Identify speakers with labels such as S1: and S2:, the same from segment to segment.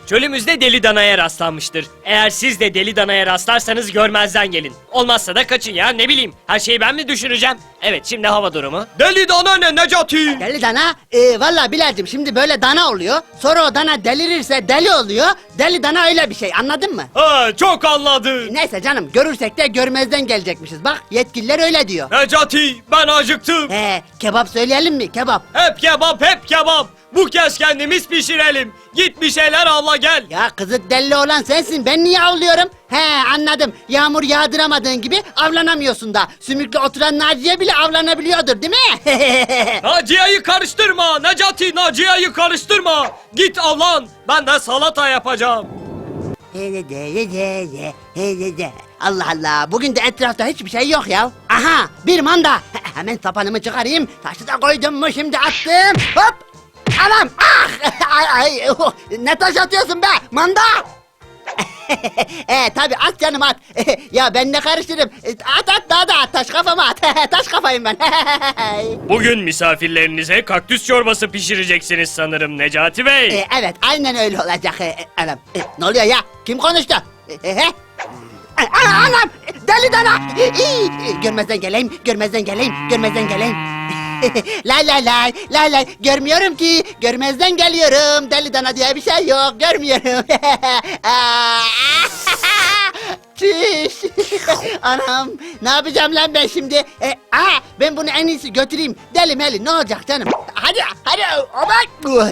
S1: Çölümüzde deli danaya rastlanmıştır. Eğer siz de deli danaya rastlarsanız görmezden gelin. Olmazsa da kaçın ya, ne bileyim. Her şeyi ben mi düşüneceğim? Evet, şimdi hava durumu.
S2: Deli dana ne Necati?
S3: Deli dana, valla Bilal'cim şimdi böyle dana oluyor. Sonra o dana delirirse deli oluyor. Deli dana öyle bir şey, anladın mı?
S2: Ha, çok anladım.
S3: Neyse canım, görürsek de görmezden gelecekmişiz. Bak yetkililer öyle diyor.
S2: Necati, ben acıktım.
S3: Kebap söyleyelim mi? Kebap.
S2: Hep kebap, hep kebap. Bu kez kendimiz pişirelim. Git bir şeyler avla gel.
S3: Ya kızı deli olan sensin, ben niye avlıyorum? Anladım, yağmur yağdıramadığın gibi avlanamıyorsun da. Sümüklü oturan Naciye bile avlanabiliyordur değil mi?
S2: Naciye'yi karıştırma Necati, Naciye'yi karıştırma. Git avlan, ben de salata yapacağım.
S3: Allah Allah, bugün de etrafta hiçbir şey yok ya. Aha, bir manda. Hemen sapanımı çıkarayım. Taşı da koydum mu şimdi attım. Hop. Anam. Ah. Ne taş atıyorsun be? Manda. Tabi at canım at. Ya ben ne karıştırırım. At daha da at, taş kafama at. Taş kafayım ben.
S1: Bugün misafirlerinize kaktüs çorbası pişireceksiniz sanırım Necati Bey.
S3: Evet, aynen öyle olacak. Anam. Ne oluyor ya? Kim konuştu? Anam! Deli dana! Görmezden geleyim, görmezden geleyim, görmezden geleyim. Lay lay lay, lay lay. Görmüyorum ki, görmezden geliyorum. Deli dana diye bir şey yok, görmüyorum. Çüş! Anam, ne yapacağım lan ben şimdi? Ben bunu en iyisi götüreyim. Deli meli, ne olacak canım? Hadi, hadi, aman!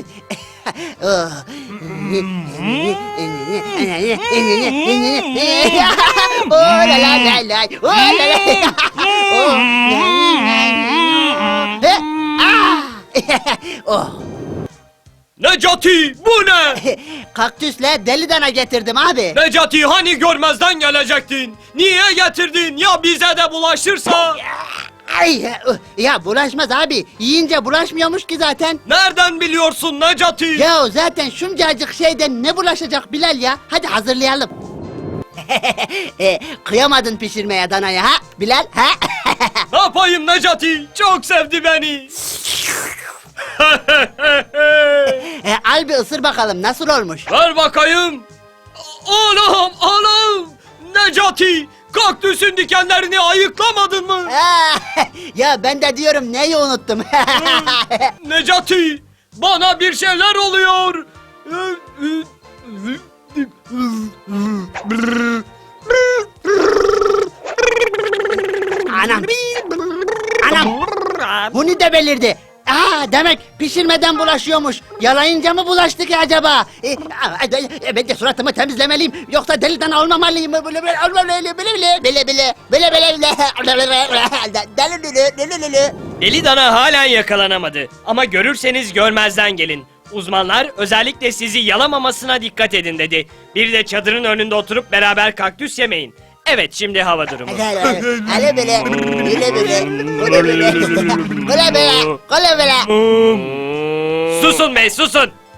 S3: Oh la la la la, oh la la. Oh.
S2: Necati, bu ne?
S3: Kaktüsle deli dana getirdim abi.
S2: Necati, hani görmezden gelecektin? Niye getirdin? Ya bize de bulaşırsa?
S3: Ay, ya bulaşmaz abi. Yiyince bulaşmıyormuş ki zaten.
S2: Nereden biliyorsun Necati?
S3: Ya zaten şuncacık şeyden ne bulaşacak Bilal ya? Hadi hazırlayalım. Kıyamadın pişirmeye danaya ha Bilal ha?
S2: Ne yapayım Necati? Çok sevdi beni.
S3: Al bir ısır bakalım nasıl olmuş?
S2: Ver bakayım. Anam, anam. Necati, kaktüsün dikenlerini ayıklamadın mı?
S3: Ya ben de diyorum neyi unuttum?
S2: Necati, bana bir şeyler oluyor.
S3: Anam. Anam. Bunu da belirdi. Demek pişirmeden bulaşıyormuş. Yalayınca mı bulaştı ki acaba? Ben de suratımı temizlemeliyim. Yoksa deli dana olmamalıyım.
S1: Deli dana halen yakalanamadı. Ama görürseniz görmezden gelin. Uzmanlar özellikle sizi yalamamasına dikkat edin dedi. Bir de çadırın önünde oturup beraber kaktüs yemeyin. Evet, şimdi hava durumu. Susun be, susun.